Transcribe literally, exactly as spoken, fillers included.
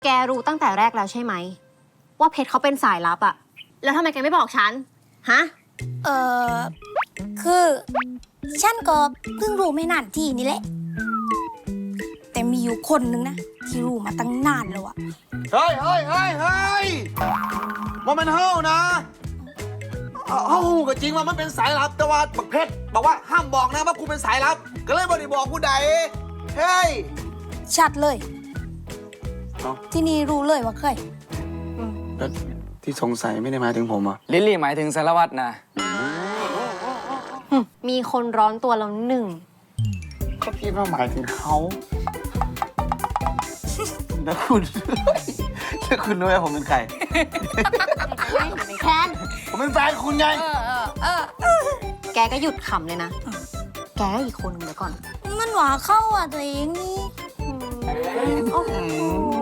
แกรู้ตั้งแต่แรกแล้วใช่ไหมว่าเพชรเขาเป็นสายลับอะแล้วทำไมแกไม่บอกฉันฮะเออคือฉันก็เพิ่งรู้ไม่นานที่นี่แหละ แต่มีอยู่คนนึงนะที่รู้มาตั้งนานแล้วอะเฮ้ยเฮ้ยเฮ้ยเฮ้ยว่ามันเฮ้านะเฮ้าก็จริงว่ามันเป็นสายลับแต่ว่าบักเพชรบอกว่าห้ามบอกนะว่ากูเป็นสายลับก็เลยบ่ได้บอกกูใดเฮ้ยชัดเลยเอ้าที่นี่รู้เลยว่าเคยแล้วที่สงสัยไม่ได้หมายถึงผมอ่ะลิลลี่หมายถึงสารวัตรนะมีคนร้อนตัวแล้วหนึ่งก็พี่ว่าหมายถึงเขาแล้วคุณแล้วคุณรู้ไหมผมเป็นใครแคนผมเป็นแฟนคุณไงแกก็หยุดขำเลยนะ แกก็อีกคนหนึงเดี๋ยวก่อนมันหวาเข้าอ่ะตัวเองนี่โอ้โห